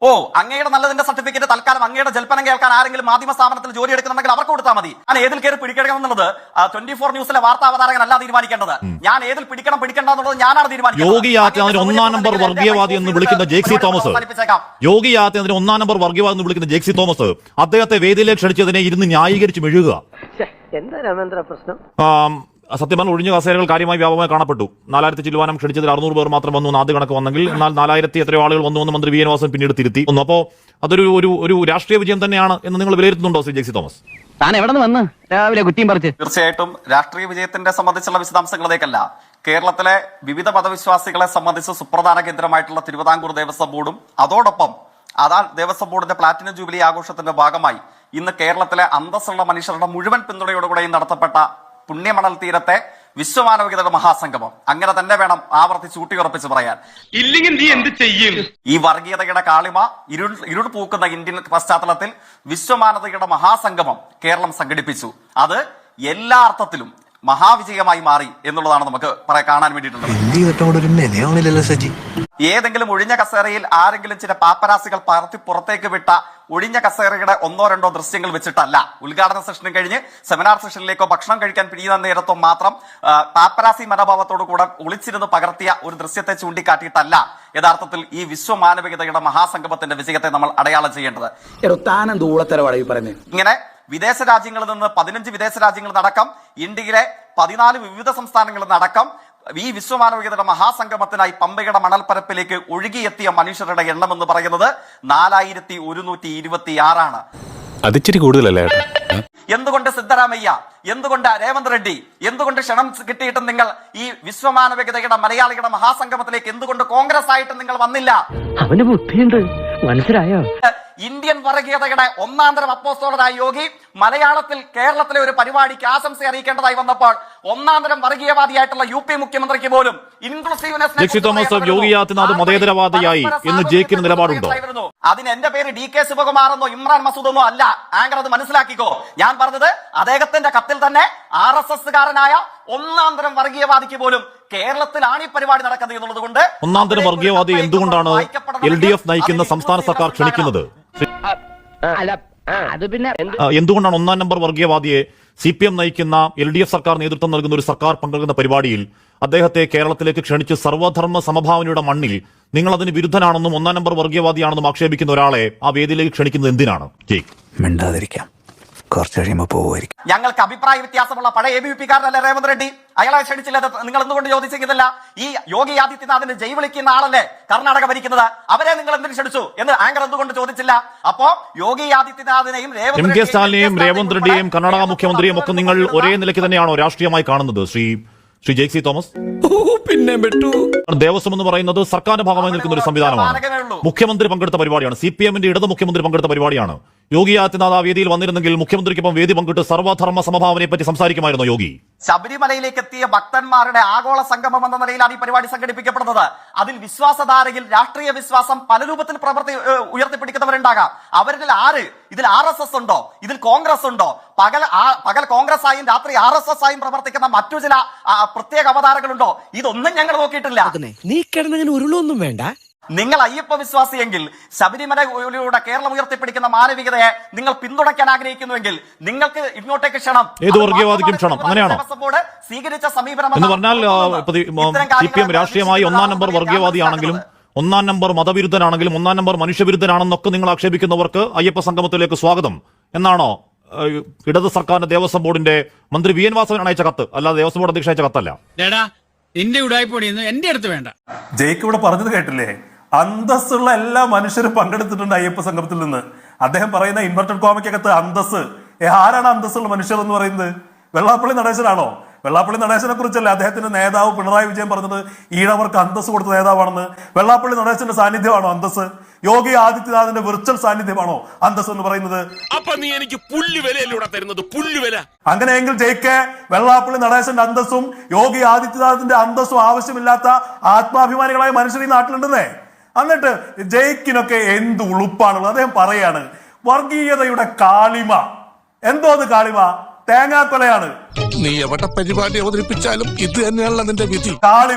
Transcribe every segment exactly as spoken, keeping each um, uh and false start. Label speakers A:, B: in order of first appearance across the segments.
A: ഓ, അങ്ങയുടെ നല്ലതിന്റെ സർട്ടിഫിക്കറ്റ് തൽക്കാലം അങ്ങയുടെ ജൽപ്പനം കേൾക്കാൻ ആരെങ്കിലും മാധ്യമ സ്ഥാപനത്തിൽ ജോലി എടുക്കുന്നുണ്ടെങ്കിൽ അവർക്ക് കൊടുത്താൽ മതി. ഞാൻ ഏതിൽ കയറി പിടിക്കണം എന്നുള്ളത് ട്വന്റി ഫോർ ന്യൂസിലെ വാർത്താ അവതാരകനല്ല തീരുമാനിക്കേണ്ടത്. ഞാൻ ഏതിൽ പിടിക്കണം പിടിക്കണ്ട എന്നുള്ളത് ഞാനാണ് തീരുമാനിക്കുന്നത്.
B: യോഗി ആദിത്യനാഥിനെ ഒന്നാം നമ്പർ വർഗീയവാദി എന്ന് വിളിക്കുന്ന ജെക്സി തോമസ് യോഗി ആദിത്യനാഥിനെ ഒന്നാം നമ്പർ വർഗീയവാദി എന്ന് വിളിക്കുന്ന ജെക്സി തോമസ് അദ്ദേഹത്തെ വേദിയിലേക്ക് ക്ഷണിച്ചതിനെ ഇരുന്ന് ന്യായീകരിച്ച് മെഴുകുക.
C: എന്താ രാമേന്ദ്ര പ്രശ്നം?
B: സത്യം പറഞ്ഞാൽ ഒഴിഞ്ഞ കസേരകൾ കാര്യമായി വ്യാപകമായി കാണപ്പെട്ടു. നാലായിരത്തി ചില്ലുവാനം ക്ഷണിച്ചതിൽ അറുന്നൂറ് പേർ മാത്രം വന്നു ആദ്യ കണക്ക് വന്നെങ്കിൽ, എന്നാൽ നാലായിരത്തി എത്രയോ ആളുകൾ വന്നു എന്ന് മന്ത്രി വി എൻ വാസൻ പിന്നീട് തിരുത്തി. അപ്പോൾ അതൊരു ഒരു ഒരു രാഷ്ട്രീയ വിജയം തന്നെയാണ് എന്ന് നിങ്ങൾ വിലയിരുത്തുന്നുണ്ടോ ശ്രീ ജെക്സി തോമസ്?
C: താൻ എവിടെ നിന്ന് വന്ന് രാവിലെ കുറ്റിയും പറിച്ച്?
A: തീർച്ചയായിട്ടും രാഷ്ട്രീയ വിജയത്തിന്റെ സംബന്ധിച്ചുള്ള വിശദാംശങ്ങളിലേക്കല്ല, കേരളത്തിലെ വിവിധ മതവിശ്വാസികളെ സംബന്ധിച്ച് സുപ്രധാന കേന്ദ്രമായിട്ടുള്ള തിരുവിതാംകൂർ ദേവസ്വം ബോർഡും അതോടൊപ്പം അതാ ദേവസ്വം ബോർഡിന്റെ പ്ലാറ്റിനം ജൂബിലി ആഘോഷത്തിന്റെ ഭാഗമായി ഇന്ന് കേരളത്തിലെ അന്തസ്സുള്ള മനുഷ്യരുടെ മുഴുവൻ പിന്തുണയോടുകൂടെയും നടത്തപ്പെട്ട പുണ്യമണൽ തീരത്തെ വിശ്വമാനവികതയുടെ മഹാസംഗമം അങ്ങനെ തന്നെ വേണം ആവർത്തിച്ച് ഊട്ടിയുറപ്പിച്ച് പറയാൻ.
D: ഇല്ലെങ്കിൽ നീ എന്ത് ചെയ്യും?
A: ഈ വർഗീയതയുടെ കാളിമ ഇരുൾ ഇരുൾ പൂക്കുന്ന ഇന്ത്യൻ പശ്ചാത്തലത്തിൽ വിശ്വമാനവികതയുടെ മഹാസംഗമം കേരളം സംഘടിപ്പിച്ചു. അത് എല്ലാ അർത്ഥത്തിലും മഹാവിജയമായി മാറി എന്നുള്ളതാണ് നമുക്ക് പറയാൻ കാണാൻ വേണ്ടിയിട്ടുള്ളത്. ഏതെങ്കിലും ഒഴിഞ്ഞ കസേരയിൽ ആരെങ്കിലും ചില പാപ്പരാസികൾ പറത്തി പുറത്തേക്ക് വിട്ട ഒഴിഞ്ഞ കസേരയുടെ ഒന്നോ രണ്ടോ ദൃശ്യങ്ങൾ വെച്ചിട്ടല്ല, ഉദ്ഘാടന സെഷനും കഴിഞ്ഞ് സെമിനാർ സെഷനിലേക്കോ ഭക്ഷണം കഴിക്കാൻ പിരിയുന്ന നേരത്തോ മാത്രം പാപ്പരാസി മനോഭാവത്തോടു കൂടെ ഒളിച്ചിരുന്ന് പകർത്തിയ ഒരു ദൃശ്യത്തെ ചൂണ്ടിക്കാട്ടിയിട്ടല്ല യഥാർത്ഥത്തിൽ ഈ വിശ്വമാനവികതയുടെ മഹാസംഗമത്തിന്റെ വിജയത്തെ നമ്മൾ അടയാളം ചെയ്യേണ്ടത്. ഇങ്ങനെ വിദേശ രാജ്യങ്ങളിൽ നിന്ന് പതിനഞ്ച് വിദേശ രാജ്യങ്ങളിൽ നടക്കം ഇന്ത്യയിലെ പതിനാല് വിവിധ സംസ്ഥാനങ്ങളിൽ നടക്കം ഈ വിശ്വമാനവികതയുടെ മഹാസംഗമത്തിനായി പമ്പയുടെ മണൽപ്പരപ്പിലേക്ക് ഒഴുകിയെത്തിയ മനുഷ്യരുടെ എണ്ണം എന്ന് പറയുന്നത് നാലായിരത്തി ഒരുന്നൂറ്റി ഇരുപത്തി ആറാണ്.
E: അതിച്ചിരി കൂടുതലല്ലേ?
A: എന്തുകൊണ്ട് സിദ്ധരാമയ്യ, എന്തുകൊണ്ട് രേവന്ത് റെഡ്ഡി, എന്തുകൊണ്ട് ക്ഷണം കിട്ടിയിട്ടും നിങ്ങൾ ഈ വിശ്വമാനവികതയുടെ മലയാളികളുടെ മഹാസംഗമത്തിലേക്ക് എന്തുകൊണ്ട് കോൺഗ്രസ് ആയിട്ട് നിങ്ങൾ വന്നില്ല?
C: അവന് ബുദ്ധിയുണ്ട്, മനസ്സിലായോ?
A: ഇന്ത്യൻ വർഗീയതയുടെ ഒന്നാം തരം അപ്പോസ്തലനായ യോഗി മലയാളത്തിൽ കേരളത്തിലെ ഒരു പരിപാടിക്ക് ആശംസ അറിയിക്കേണ്ടതായി വന്നപ്പോൾ ഒന്നാം തരം വർഗീയവാദിയായിട്ടുള്ള യു പി മുഖ്യമന്ത്രിക്ക് പോലും
B: ഇൻക്ലൂസീവ്നെസ് യോഗി ആദിത്യനാഥ് മതേതരവാദിയായി എന്ന് ജയിക്കുന്ന നിലപാടുണ്ടോ?
A: അതിന് എന്റെ പേര് ഡി കെ ശിവകുമാർ എന്നോ ഇമ്രാൻ മസൂദ് എന്നോ അല്ല. ആങ്കർ അത് മനസ്സിലാക്കിക്കോ. ഞാൻ പറഞ്ഞത് അദ്ദേഹത്തിന്റെ കത്തിൽ തന്നെ ആർ എസ് എസ് കാരനായ ഒന്നാം തരം വർഗീയവാദിക്ക് പോലും കേരളത്തിലാണ് ഈ പരിപാടി നടക്കുന്നത് എന്നുള്ളത് കൊണ്ട്
B: ഒന്നാം തരം വർഗീയവാദി എന്തുകൊണ്ടാണ് എൽ ഡി എഫ് നയിക്കുന്ന സംസ്ഥാന സർക്കാർ ക്ഷണിക്കുന്നത്? എന്തുകൊണ്ടാണ് ഒന്നാം നമ്പർ വർഗീയവാദിയെ സി പി എം നയിക്കുന്ന എൽ ഡി എഫ് സർക്കാർ നേതൃത്വം നൽകുന്ന ഒരു സർക്കാർ പങ്കെടുക്കുന്ന പരിപാടിയിൽ അദ്ദേഹത്തെ കേരളത്തിലേക്ക് ക്ഷണിച്ച് സർവധർമ്മ സമഭാവനയുടെ മണ്ണിൽ നിങ്ങൾ അതിന് വിരുദ്ധനാണെന്നും ഒന്നാം നമ്പർ വർഗീയവാദിയാണെന്നും ആക്ഷേപിക്കുന്ന ഒരാളെ ആ വേദിയിലേക്ക് ക്ഷണിക്കുന്നത് എന്തിനാണ്?
F: മിണ്ടാതിരിക്കാം, കുറച്ച് കഴിയുമ്പോൾ പോവുമായിരിക്കും.
A: ഞങ്ങൾക്ക് അഭിപ്രായ വ്യത്യാസമുള്ള പഴയ എ ബി വി പി കാരനല്ലേ രേവന്ത് റെഡ്ഡി? അയാളെ ക്ഷണിച്ചില്ല. നിങ്ങൾ എന്തുകൊണ്ട് ചോദിച്ചില്ല? ഈ യോഗി ആദിത്യനാഥിന്റെ ജയ് വിളിക്കുന്ന ആളല്ലേ കർണാടക ഭരിക്കുന്നത്, അവരെ നിങ്ങൾ എന്തിനു ക്ഷണിച്ചു എന്ന് ആങ്കർ എന്തുകൊണ്ട് ചോദിച്ചില്ല? അപ്പോ യോഗി ആദിത്യനാഥിനെയും
B: എം കെ സ്റ്റാലിനെയും രേവന്ത് റെഡ്ഡിയെയും കർണാടക മുഖ്യമന്ത്രിയെയും ഒക്കെ നിങ്ങൾ ഒരേ നിലയ്ക്ക് തന്നെയാണോ രാഷ്ട്രീയമായി കാണുന്നത് ശ്രീ ശ്രീ ജെക്സി തോമസ്?
E: പിന്നെ
B: ദേവസ്വം എന്ന് പറയുന്നത് സർക്കാരിന്റെ ഭാഗമായി നിൽക്കുന്ന ഒരു സംവിധാനമാണ്. മുഖ്യമന്ത്രി പങ്കെടുത്ത പരിപാടിയാണ്. സി പി എമ്മിന്റെ ഇടത് മുഖ്യമന്ത്രി പങ്കെടുത്ത പരിപാടിയാണ്. യോഗി ആദിത്യനാഥ് ആ വേദിയിൽ വന്നിരുന്നെങ്കിൽ മുഖ്യമന്ത്രിക്കൊപ്പം വേദി പങ്കിട്ട് സർവധർമ്മ സമഭാവനയെ പറ്റി സംസാരിക്കുമായിരുന്നു യോഗി.
A: ശബരിമലയിലേക്ക് എത്തിയ ഭക്തന്മാരുടെ ആഗോള സംഗമം എന്ന നിലയിലാണ് ഈ പരിപാടി സംഘടിപ്പിക്കപ്പെടുന്നത്. അതിൽ വിശ്വാസധാരയിൽ രാഷ്ട്രീയ വിശ്വാസം പല രൂപത്തിൽ പ്രവർത്തി ഉയർത്തിപ്പിടിക്കുന്നവരുണ്ടാകാം. അവരിൽ ആര്? ഇതിൽ ആർ എസ് എസ് ഉണ്ടോ? ഇതിൽ കോൺഗ്രസ് ഉണ്ടോ? പകൽ പകൽ കോൺഗ്രസ് ആയും രാത്രി ആർ എസ് എസ് ആയും പ്രവർത്തിക്കുന്ന മറ്റു ചില പ്രത്യേക അവതാരങ്ങളുണ്ടോ? ഇതൊന്നും ഞങ്ങൾ നോക്കിയിട്ടില്ല.
G: നീ കിടന്നങ്ങനെ ഉരുളൊന്നും വേണ്ട.
A: നിങ്ങൾ അയ്യപ്പ വിശ്വാസിയെങ്കിൽ ശബരിമലയിലൂടെ കേരളം ഉയർത്തിപ്പിടിക്കുന്ന മാനവികതയെ നിങ്ങൾ പിന്തുണയ്ക്കാൻ ആഗ്രഹിക്കുന്നുവെങ്കിൽ നിങ്ങൾക്ക് ഇങ്ങോട്ടേക്ക് ക്ഷണം.
B: ഏത് വർഗീയവാദിക്കും ക്ഷണം, അങ്ങനെയാണോ?
A: സ്വീകരിച്ച സമീപനം
B: എന്ന് പറഞ്ഞാൽ സി പി എം രാഷ്ട്രീയമായി ഒന്നാം നമ്പർ വർഗീയവാദിയാണെങ്കിലും ഒന്നാം നമ്പർ മതവിരുദ്ധനാണെങ്കിലും ഒന്നാം നമ്പർ മനുഷ്യവിരുദ്ധനാണെന്നൊക്കെ നിങ്ങൾ ആക്ഷേപിക്കുന്നവർക്ക് അയ്യപ്പ സംഗമത്തിലേക്ക് സ്വാഗതം എന്നാണോ ഇടത് സർക്കാരിന്റെ ദേവസ്വം ബോർഡിന്റെ മന്ത്രി വി എൻ വാസവൻ അയച്ച കത്ത്? അല്ലാതെ ദേവസ്വം ബോർഡ് അധ്യക്ഷ അയച്ച കത്തല്ല.
H: എന്റെ ഉടായ്പൊടിയൊന്നും എന്റെ അടുത്ത് വേണ്ട.
I: ജയിക്ക് ഇവിടെ പറഞ്ഞത് കേട്ടില്ലേ? അന്തസ്സുള്ള എല്ലാ മനുഷ്യരും പങ്കെടുത്തിട്ടുണ്ട് അയ്യപ്പ സംഗമത്തിൽ നിന്ന്. അദ്ദേഹം പറയുന്ന ഇൻവെർട്ടഡ് കോമയ്ക്കകത്ത് അന്തസ്, ആരാണ് അന്തസ്സുള്ള മനുഷ്യർ എന്ന് പറയുന്നത്? വെള്ളാപ്പള്ളി നടേശനാണോ? വെള്ളാപ്പള്ളി നടേശനെ കുറിച്ചല്ലേ അദ്ദേഹത്തിന്റെ നേതാവ് പിണറായി വിജയൻ പറഞ്ഞത് ഈഴവർക്ക് അന്തസ് കൊടുത്ത നേതാവാണെന്ന്? വെള്ളാപ്പള്ളി നടേശന്റെ സാന്നിധ്യമാണോ അന്തസ്? യോഗി ആദിത്യനാഥിന്റെ വിർച്വൽ സാന്നിധ്യമാണോ അന്തസ് എന്ന് പറയുന്നത്?
D: അപ്പൊ നീ എനിക്ക് പുല്ലുവിലൂടെ തരുന്നത് പുല്ലുവില.
I: അങ്ങനെയെങ്കിൽ ജയിക്ക് വെള്ളാപ്പള്ളി നടേശന്റെ അന്തസ്സും യോഗി ആദിത്യനാഥിന്റെ അന്തസ്സും ആവശ്യമില്ലാത്ത ആത്മാഭിമാനികളായ മനുഷ്യർ ഈ നാട്ടിലുണ്ടെന്നേ. എന്നിട്ട് ജയിക്കിനൊക്കെ എന്ത് ഉളുപ്പാണുള്ളത്? അദ്ദേഹം പറയാണ് വർഗീയതയുടെ കാളിമ. എന്തോ അത് കാളിമ? തേങ്ങാക്കൊലയാണ്.
E: നീ എവിടെ പരിപാടി അവതരിപ്പിച്ചാലും ഇത് തന്നെയാണല്ലോ നിന്റെ വിധി.
I: കാളിമ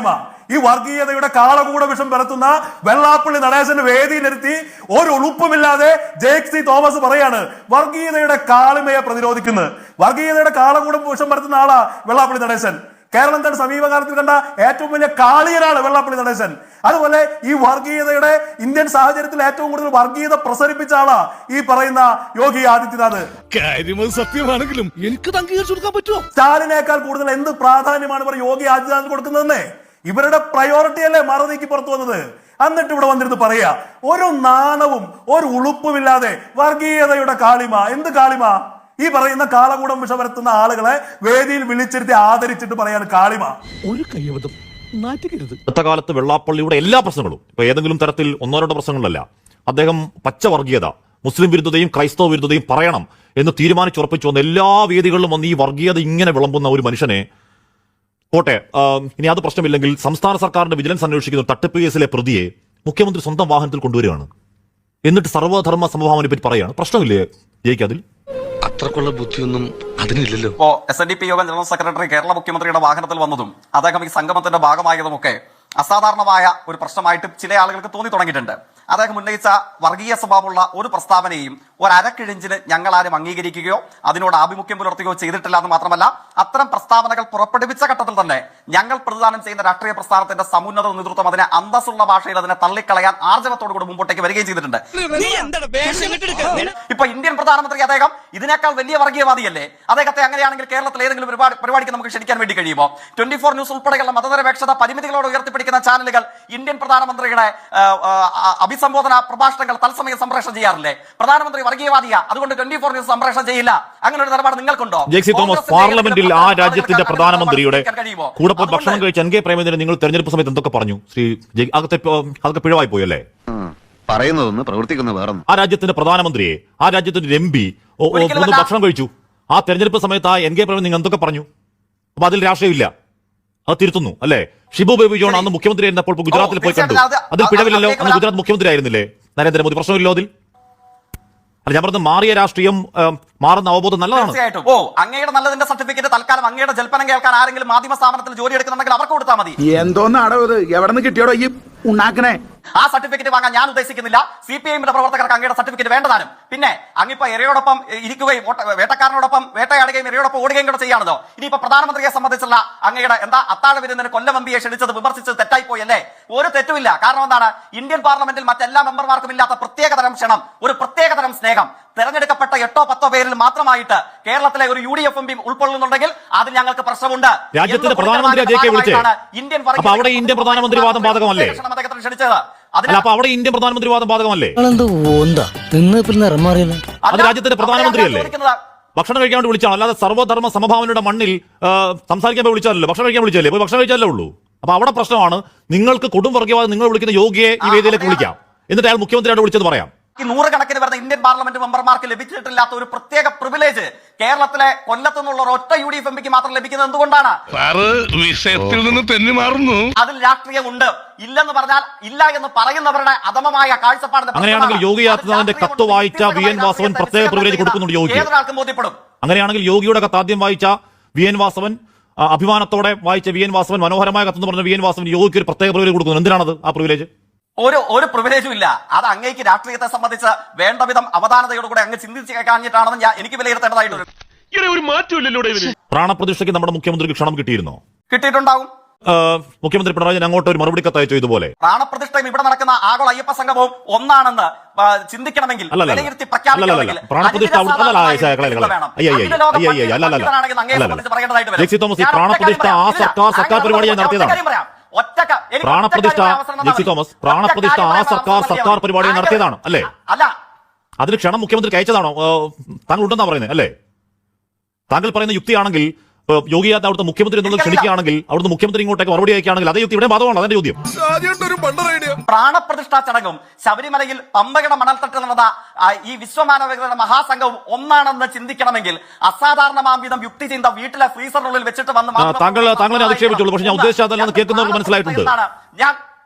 I: ഈ വർഗീയതയുടെ കാളകൂട വിഷം പരത്തുന്ന വെള്ളാപ്പള്ളി നടേശന്റെ വേദിയിലിരുത്തി ഒരു ഉളുപ്പുമില്ലാതെ ജേക്ക് സി തോമസ് പറയാണ് വർഗീയതയുടെ കാളിമയെ പ്രതിരോധിക്കുന്നത്. വർഗീയതയുടെ കാളകൂടം വിഷം പരത്തുന്ന ആളാ വെള്ളാപ്പള്ളി നടേശൻ. കേരളം തന്നെ സമീപകാലത്തിൽ കണ്ട ഏറ്റവും വലിയ കാളിയനാണ് വെള്ളാപ്പള്ളി നടേശൻ. അതുപോലെ ഈ വർഗീയതയുടെ ഇന്ത്യൻ സാഹചര്യത്തിൽ ഏറ്റവും കൂടുതൽ വർഗീയത പ്രസരിപ്പിച്ച ആളാ ഈ പറയുന്ന യോഗി ആദിത്യനാഥ്.
E: കാര്യം സത്യമാണെങ്കിലും എനിക്ക് അംഗീകരിച്ചു കൊടുക്കാൻ പറ്റുമോ?
I: സ്റ്റാലിനേക്കാൾ കൂടുതൽ എന്ത് പ്രാധാന്യമാണ് ഇവർ യോഗി ആദിത്യനാഥ് കൊടുക്കുന്നതെന്നേ. ഇവരുടെ പ്രയോറിറ്റി അല്ലേ മറുനീക്കി പുറത്തു വന്നത്. എന്നിട്ട് ഇവിടെ വന്നിരുന്ന് പറയാ ഒരു നാണവും ഒരു ഉളുപ്പുമില്ലാതെ വർഗീയതയുടെ കാളിമ. എന്ത് കാളിമ? ഈ പറയുന്ന കാളകൂടം വിഷം പരത്തുന്ന ആളുകളെ വേദിയിൽ വിളിച്ചിരുത്തി ആദരിച്ചിട്ട് പറയാണ് കാളിമ.
G: ഒരു കയ്യബദ്ധം നാറ്റിക്കരുത്.
B: അടുത്ത കാലത്ത് വെള്ളാപ്പള്ളിയുടെ എല്ലാ പ്രശ്നങ്ങളും ഇപ്പൊ ഏതെങ്കിലും തരത്തിൽ ഒന്നോ രണ്ടോ പ്രശ്നങ്ങളല്ല, അദ്ദേഹം പച്ച വർഗീയത, മുസ്ലിം വിരുദ്ധതയും ക്രൈസ്തവ വിരുദ്ധതയും പറയണം എന്ന് തീരുമാനിച്ചുറപ്പിച്ചു വന്ന എല്ലാ വേദികളിലും വന്ന് ഈ വർഗീയത ഇങ്ങനെ വിളമ്പുന്ന ഒരു മനുഷ്യനെ പോട്ടെ, ഇനി അത് പ്രശ്നമില്ലെങ്കിൽ സംസ്ഥാന സർക്കാരിന്റെ വിജിലൻസ് അന്വേഷിക്കുന്ന തട്ടിപ്പ് കേസിലെ പ്രതിയെ മുഖ്യമന്ത്രി സ്വന്തം വാഹനത്തിൽ കൊണ്ടുവരികയാണ്. എന്നിട്ട് സർവ്വധർമ്മ സമഭാവനെ പറ്റി പറയുകയാണ്. പ്രശ്നമില്ലേ ജയിക്ക്? അതിൽ
E: അത്രക്കുള്ള ബുദ്ധിയൊന്നും അതിനില്ലല്ലോ.
A: ഇപ്പോ എസ് എൻ ഡി പി യോഗം ജനറൽ സെക്രട്ടറി കേരള മുഖ്യമന്ത്രിയുടെ വാഹനത്തിൽ വന്നതും അദ്ദേഹം ഈ സംഗമത്തിന്റെ ഭാഗമായതുമൊക്കെ അസാധാരണമായ ഒരു പ്രശ്നമായിട്ട് ചില ആളുകൾക്ക് തോന്നി തുടങ്ങിയിട്ടുണ്ട്. അദ്ദേഹം ഉന്നയിച്ച വർഗീയ സ്വഭാവമുള്ള ഒരു പ്രസ്താവനയും ഒരു അരക്കിഴിഞ്ചിന് ഞങ്ങൾ ആരും അംഗീകരിക്കുകയോ അതിനോട് ആഭിമുഖ്യം പുലർത്തുകയോ ചെയ്തിട്ടില്ല എന്ന് മാത്രമല്ല, അത്തരം പ്രസ്താവനകൾ പുറപ്പെടുവിച്ച ഘട്ടത്തിൽ തന്നെ ഞങ്ങൾ പ്രതിദാനം ചെയ്യുന്ന രാഷ്ട്രീയ പ്രസ്ഥാനത്തിന്റെ സമുന്നത നേതൃത്വം അതിനെ അന്തസ്സുള്ള ഭാഷയിൽ അതിനെ തള്ളിക്കളയാൻ ആർജവത്തോടുകൂടി മുമ്പോട്ടേക്ക് വരികയും ചെയ്തിട്ടുണ്ട്. ഇപ്പൊ ഇന്ത്യൻ പ്രധാനമന്ത്രി അദ്ദേഹം ഇതിനേക്കാൾ വലിയ വർഗീയവാദിയല്ലേ? അദ്ദേഹത്തെ അങ്ങനെയാണെങ്കിൽ കേരളത്തിൽ ഏതെങ്കിലും പരിപാടി പരിപാടിക്ക് നമുക്ക് ക്ഷണിക്കാൻ വേണ്ടി കഴിയുമോ? ട്വന്റി ഫോർ ന്യൂസ് ഉൾപ്പെടെയുള്ള മതനിരപേക്ഷത പരിമിതികളോട് ഉയർത്തിപ്പിടിക്കുന്ന ചാനലുകൾ ഇന്ത്യൻ പ്രധാനമന്ത്രിയുടെ അഭിസംബോധന പ്രഭാഷണങ്ങൾ തത്സമയം സംപ്രേഷണം ചെയ്യാറില്ലേ? പ്രധാനമന്ത്രി വർഗീയവാദിയ, അതുകൊണ്ട് ട്വന്റി ഫോർ ന്യൂസ് സംപ്രേഷണം ചെയ്യില്ല. അങ്ങനെ ഒരു നിലപാട് നിങ്ങൾക്കുണ്ടോ?
B: ജെക്സി തോമസ്, പാർലമെന്റിൽ ആ രാജ്യത്തിന്റെ പ്രധാനമന്ത്രിയുടെ കൂടെ പോയി ഭക്ഷണം കഴിച്ച എൻ കെ പ്രേമചന്ദ്രൻ നിങ്ങൾ തെരഞ്ഞെടുപ്പ് സമയത്ത് എന്തൊക്കെ പറഞ്ഞു? ശ്രീ അകത്തെ അതൊക്കെ പിഴവായി പോയല്ലേ?
F: പറയുന്നതൊന്ന് പ്രവർത്തിക്കുന്ന വേറെ.
B: ആ രാജ്യത്തിന്റെ പ്രധാനമന്ത്രിയെ, ആ രാജ്യത്തിന്റെ എം പി ഭക്ഷണം കഴിച്ചു. ആ തെരഞ്ഞെടുപ്പ് സമയത്ത് ആ എൻ കെ പ്രേമൻ നിങ്ങൾ എന്തൊക്കെ പറഞ്ഞു? അപ്പൊ അതിൽ രാഷ്ട്രീയമില്ല, അത് തിരുത്തുന്നു അല്ലേ? ഷിബു ബേബി ജോൺ അന്ന് മുഖ്യമന്ത്രി ആയിരുന്നപ്പോൾ ഗുജറാത്തിൽ പോയി കണ്ടു. അതിൽ പിഴവില്ലല്ലോ. അന്ന് ഗുജറാത്ത് മുഖ്യമന്ത്രി ആയിരുന്നില്ലേ നരേന്ദ്രമോദി? പ്രശ്നമില്ലോ അതിൽ? അല്ല, ഞാൻ പറഞ്ഞത് മാറിയ രാഷ്ട്രീയം മാറുന്ന അവബോധം നല്ലതാണ്.
A: തീർച്ചയായിട്ടും. ഓ, അങ്ങയുടെ നല്ലതിന്റെ സർട്ടിഫിക്കറ്റ് തൽക്കാലം അങ്ങയുടെ ജൽപ്പനം കേൾക്കാൻ ആരെങ്കിലും മാധ്യമ സ്ഥാപനത്തിൽ ജോലി എടുക്കുന്നുണ്ടെങ്കിൽ അവർക്ക് കൊടുത്താൽ മതി.
F: എന്തോന്നാടോ ഇത്? എവിടെ നിന്ന് കിട്ടിയോടോ ഈ ഉണ്ടാക്കണേ?
A: ആ സർട്ടിഫിക്കറ്റ് വാങ്ങാൻ ഞാൻ ഉദ്ദേശിക്കുന്നില്ല. സി പി ഐഎമ്മിന്റെ പ്രവർത്തകർക്ക് അങ്ങയുടെ സർട്ടിഫിക്കറ്റ് വേണ്ടതാനും. പിന്നെ അങ്ങിപ്പോ ഇരയോടൊപ്പം ഇരിക്കുകയും വേട്ടക്കാരനോടൊപ്പം വേട്ടയാടുകയും ഇരയോടൊപ്പം ഓടുകയും കൂടെ ചെയ്യാണല്ലോ. ഇനിയിപ്പോ പ്രധാനമന്ത്രിയെ സംബന്ധിച്ചുള്ള അങ്ങയുടെ എന്താ അത്താഴ വിരുന്നിന് കൊല്ലവമ്പിയെ ക്ഷണിച്ചത് വിമർശിച്ചത് തെറ്റായി പോയല്ലേ? ഒരു തെറ്റുമില്ല. കാരണം എന്താണ്? ഇന്ത്യൻ പാർലമെന്റിൽ മറ്റെല്ലാ മെമ്പർമാർക്കും ഇല്ലാത്ത പ്രത്യേകതരം ക്ഷണം, ഒരു പ്രത്യേകതരം സ്നേഹം തെരഞ്ഞെടുക്കപ്പെട്ട എട്ടോ പത്തോ പേരിൽ മാത്രമായിട്ട് കേരളത്തിലെ ഒരു U D F M P ഉൾക്കൊള്ളുന്നുണ്ടെങ്കിൽ അതിൽ ഞങ്ങൾക്ക് പ്രശ്നമുണ്ട്.
B: രാജ്യത്തിന്റെ പ്രധാനമന്ത്രിയെ
A: ഇന്ത്യൻ
B: അപ്പൊ അവിടെ ഇന്ത്യൻ പ്രധാനമന്ത്രി വാദം ബാധകമല്ലേ?
A: അദ്ദേഹത്തിന് ക്ഷണിച്ചത്
B: അപ്പൊ അവിടെ ഇന്ത്യൻ പ്രധാനമന്ത്രി വാദം ബാധകമല്ലേ? അത് രാജ്യത്തിന്റെ പ്രധാനമന്ത്രിയല്ലേ? ഭക്ഷണം കഴിക്കാൻ വേണ്ടി വിളിച്ചാണ്, അല്ലാതെ സർവ്വധർമ്മ സമഭാവനയുടെ മണ്ണിൽ സംസാരിക്കാൻ പോയി വിളിച്ചാലല്ലോ. ഭക്ഷണം കഴിക്കാൻ വിളിച്ചല്ലേ? പോയി ഭക്ഷണം കഴിച്ചാലേ ഉള്ളൂ. അപ്പൊ അവിടെ പ്രശ്നമാണ്. നിങ്ങൾക്ക് കൊടും വർഗീയവാദം നിങ്ങൾ വിളിക്കുന്ന യോഗിയെ ഈ വേദിയിലേക്ക് വിളിക്കാം, എന്നിട്ട് അയാൾ മുഖ്യമന്ത്രിയോട് വിളിച്ചെന്ന് പറയാം.
A: ഈ നൂറുകണക്കിന് വരുന്ന ഇന്ത്യൻ പാർലമെന്റ് മെമ്പർമാർക്ക് ലഭിച്ചിട്ടില്ലാത്ത ഒരു പ്രത്യേക പ്രിവിലേജ് കേരളത്തിലെ കൊല്ലത്തു നിന്നുള്ള ഒറ്റ യു ഡി എഫ് എം പിക്ക് മാത്രം ലഭിക്കുന്നത് എന്തുകൊണ്ടാണ്?
D: വിഷയത്തിൽ നിന്ന് തെന്നി മാറുന്നു.
A: അതിൽ രാഷ്ട്രീയം ഉണ്ട്. ഇല്ലെന്ന് പറഞ്ഞാൽ ഇല്ല എന്ന് പറയുന്നവരുടെ അധമമായ കാഴ്ചപ്പാടിന്റെ.
B: അങ്ങനെയാണെങ്കിൽ യോഗി ആദിത്യനാഥിന്റെ കത്ത് വായിച്ച വി എൻ വാസവൻ പ്രത്യേക പ്രിവിലേജ് കൊടുക്കുന്നുണ്ട് യോഗി.
A: ഏതൊരാൾക്കും ബോധ്യപ്പെടും.
B: അങ്ങനെയാണെങ്കിൽ യോഗിയുടെ കത്ത് ആദ്യം വായിച്ച വി എൻ വാസവൻ, അഭിമാനത്തോടെ വായിച്ച വി എൻ വാസവൻ, മനോഹരമായ കത്തെന്ന് പറഞ്ഞ വി എൻ വാസവൻ യോഗിക്ക് ഒരു പ്രത്യേക പ്രിവിലേജ് കൊടുക്കുന്നു. എന്തിനാണത് ആ പ്രിവിലേജ്?
A: ഒരു ഒരു പ്രിവിലേജും ഇല്ല. അത് അങ്ങേക്ക് രാഷ്ട്രീയത്തെ സംബന്ധിച്ച് വേണ്ട വിധം അവധാനതയോടുകൂടെ അങ്ങ് ചിന്തിച്ച് കഴിഞ്ഞിട്ടാണെന്ന് ഞാൻ എനിക്ക് വിലയിരുത്തേണ്ടതായിട്ടുണ്ട്.
D: ഒരു മാറ്റമില്ലല്ലോ.
B: പ്രാണപ്രതിഷ്ഠയ്ക്ക് നമ്മുടെ മുഖ്യമന്ത്രിക്ക് ക്ഷണം കിട്ടിയിരുന്നോ?
A: കിട്ടിയിട്ടുണ്ടാവും.
B: മുഖ്യമന്ത്രി പിണറായി അങ്ങോട്ട് ഒരു മറുപടി കത്തയച്ചു ഇതുപോലെ.
A: പ്രാണപ്രതിഷ്ഠയും ഇവിടെ നടക്കുന്ന ആഗോള അയ്യപ്പ സംഗമവും ഒന്നാണെന്ന് ചിന്തിക്കണമെങ്കിൽ
B: പ്രാണപ്രതിഷ്ഠ ആ സർക്കാർ സർക്കാർ പരിപാടിയായി നടത്തിയതാണ്. പ്രാണപ്രതിഷ്ഠ ജെക്സി തോമസ്, പ്രാണപ്രതിഷ്ഠ ആ സർക്കാർ സർക്കാർ പരിപാടിയായി നടത്തിയതാണ് അല്ലേ?
A: അല്ല,
B: അതിന് ക്ഷണം മുഖ്യമന്ത്രി അയച്ചതാണോ? താങ്കൾ ഉണ്ടെന്നാ പറയുന്നത് അല്ലേ? താങ്കൾ പറയുന്ന യുക്തിയാണെങ്കിൽ യോഗി ആദിത്യനാഥ് അവിടുത്തെ മുഖ്യമന്ത്രി എന്നുള്ളത് ക്ഷണിക്കുകയാണെങ്കിൽ അവിടുത്തെ മുഖ്യമന്ത്രി ഇങ്ങോട്ടേക്ക് മറുപടി അയക്കുകയാണെങ്കിൽ അതേ യുക്തി ഇവിടെ ബാധകമാണ്. അതിന്റെ ചോദ്യം.
A: പ്രാണപ്രതിഷ്ഠാ ചടങ്ങും ശബരിമലയിൽ പമ്പയുടെ മണൽത്തട്ടിൽ നടന്ന ഈ വിശ്വമാനവികതയുടെ മഹാസംഘവും ഒന്നാണെന്ന് ചിന്തിക്കണമെങ്കിൽ അസാധാരണമാം വിധം യുക്തി ചിന്ത വീട്ടിലെ ഫ്രീസറിനുള്ളിൽ വെച്ചിട്ട് വന്ന്
B: താങ്കൾ താങ്കളെ അധിക്ഷേപിച്ചുള്ളൂ. പക്ഷെ ഞാൻ ഉദ്ദേശിച്ചതല്ലെന്ന് കേൾക്കുന്നവർക്ക് മനസ്സിലായിട്ടുണ്ട്.
A: ഞാൻ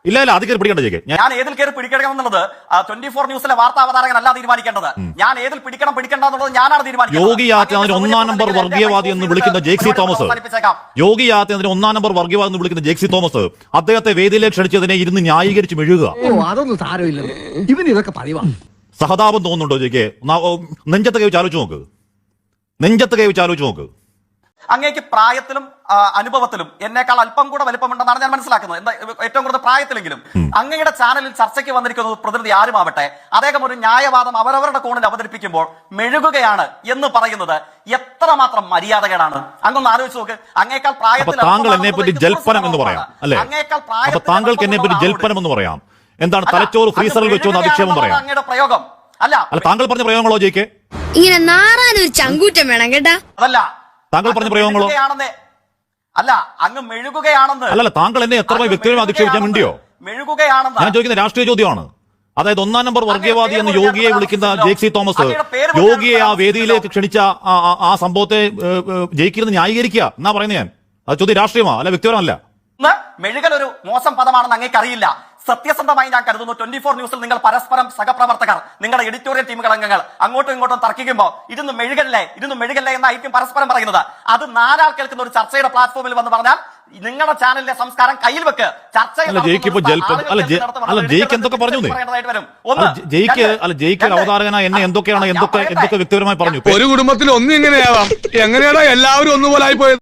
B: ഇല്ല ഇല്ല അത് കയറി പിടിക്കണ്ട ജയിക്കെ ഞാൻ
A: ഞാൻ ഏതിൽ കയറി പിടിക്കണം എന്നുള്ളത് ട്വന്റി ഫോർ ന്യൂസിലെ വാർത്താ അവതാരകനല്ല തീരുമാനിക്കേണ്ടത്. ഞാൻ ഏതിൽ പിടിക്കണം പിടിക്കണ്ട എന്നുള്ളത് ഞാനാണ് തീരുമാനിക്കുന്നത്.
B: യോഗി ആദിത്യനാഥിനെ ഒന്നാം നമ്പർ വർഗീയവാദി എന്ന് വിളിക്കുന്ന ജെയ്സി തോമസ് യോഗി ആദിത്യനാഥിനെ ഒന്നാം നമ്പർ വർഗീയവാദി എന്ന് വിളിക്കുന്ന ജെയ്സി തോമസ് അദ്ദേഹത്തെ വേദിയിലേക്ക് ക്ഷണിച്ചതിനെ ഇരുന്ന് ന്യായീകരിച്ച് മെഴുകുക.
G: അതൊന്നും സാരമില്ല ഇവന് ഇതൊക്കെ പറയുവാ.
B: സഹതാപം തോന്നുന്നുണ്ടോ ജയിക്കെ? നെഞ്ചത്ത് കൈ വെച്ച് ആലോചിച്ച് നോക്ക്, നെഞ്ചത്ത് കൈ വെച്ച് ആലോചിച്ച് നോക്ക്.
A: അങ്ങേക്ക് പ്രായത്തിലും ആ, അനുഭവത്തിലും എന്നേക്കാൾ അല്പം കൂടെ വലിപ്പമുണ്ടെന്നാണ് ഞാൻ മനസ്സിലാക്കുന്നത്. എന്താ ഏറ്റവും കൂടുതൽ പ്രായത്തിലെങ്കിലും അങ്ങയുടെ ചാനലിൽ ചർച്ചയ്ക്ക് വന്നിരിക്കുന്നത് പ്രതിനിധി ആരുമാവട്ടെ, അദ്ദേഹം ഒരു ന്യായവാദം അവരവരുടെ കോണിൽ അവതരിപ്പിക്കുമ്പോൾ മെഴുകുകയാണ് എന്ന് പറയുന്നത് എത്രമാത്രം മര്യാദകേടാണ്. അങ്ങൊന്ന് ആലോചിച്ച് നോക്ക്. അങ്ങേക്കാൾ പ്രായത്തിൽ
B: താങ്കൾ എന്നെ പറ്റി ജൽപ്പനം എന്ന് പറയാം അല്ലെ? അപ്പൊ താങ്കൾക്ക് എന്നെ പറ്റി ജൽപ്പനം എന്ന് പറയാം. എന്താണ് തലച്ചോറ് ഫ്രീസറിൽ വെച്ചോ എന്ന് അധിക്ഷേപം പറയാം.
A: അങ്ങയുടെ പ്രയോഗം അല്ല
B: അല്ല താങ്കൾ പറഞ്ഞ പ്രയോഗങ്ങളോ ജയിക്കെ?
J: ഇങ്ങനെ നാറാനൊരു ചങ്കൂറ്റം വേണം കേട്ടാ.
A: അതല്ല
B: താങ്കൾ പറഞ്ഞ പ്രയോഗങ്ങളോ?
A: അല്ല അങ്ങ് മെഴുകുകയാണെന്ന്.
B: അല്ലല്ല താങ്കൾ എന്നെ എത്ര വ്യക്തിപരമായി അധിക്ഷേപിക്കാൻ വേണ്ടിയോ?
A: മെഴുകുകയാണെന്ന്
B: ഞാൻ ചോദിക്കുന്ന രാഷ്ട്രീയ ചോദ്യമാണ്. അതായത് ഒന്നാം നമ്പർ വർഗീയവാദി എന്ന് യോഗിയെ വിളിക്കുന്ന ജെയ്സി തോമസ് യോഗിയെ ആ വേദിയിലേക്ക് ക്ഷണിച്ച ആ സംഭവത്തെ ജയിക്കുന്നത് ന്യായീകരിക്കുക എന്നാ പറയുന്നത്. ഞാൻ അത് ചോദ്യം രാഷ്ട്രീയമാ അല്ല വ്യക്തിപരമല്ല.
A: മെഴുകൽ ഒരു മോശം പദമാണെന്ന് അങ്ങേക്ക് അറിയില്ല. സത്യസന്ധമായി ഞാൻ കരുതുന്നു ട്വന്റി ഫോർ ന്യൂസിൽ നിങ്ങൾ പരസ്പരം സഹപ്രവർത്തകർ നിങ്ങളുടെ എഡിറ്റോറിയൽ ടീമുകൾ അംഗങ്ങൾ അങ്ങോട്ടും ഇങ്ങോട്ടും തർക്കിക്കുമ്പോൾ ഇരുന്ന് മെഴുകല്ലേ ഇരുന്ന് മെഴുകല്ലേ എന്നായിരിക്കും പരസ്പരം പറയുന്നത്. അത് നാലാൾ കേൾക്കുന്ന ഒരു ചർച്ചയുടെ പ്ലാറ്റ്ഫോമിൽ വന്ന് പറഞ്ഞാൽ നിങ്ങളുടെ ചാനലിലെ സംസ്കാരം കയ്യിൽ വെക്ക്. ചർച്ച അല്ല ജയിക്ക്
B: എന്തൊക്കെ പറഞ്ഞു ജയിക്ക് അല്ല ജയിക്ക് അവതാരകനായ എന്നെ എന്തൊക്കെയാണ് എന്തൊക്കെ എന്തൊക്കെ വ്യക്തിപരമായി പറഞ്ഞു.
D: ഒരു കുടുംബത്തിൽ ഒന്നും ഇങ്ങനെയാവാം. എങ്ങനെയാണോ എല്ലാവരും ഒന്നുപോലെ ആയി പോയത്.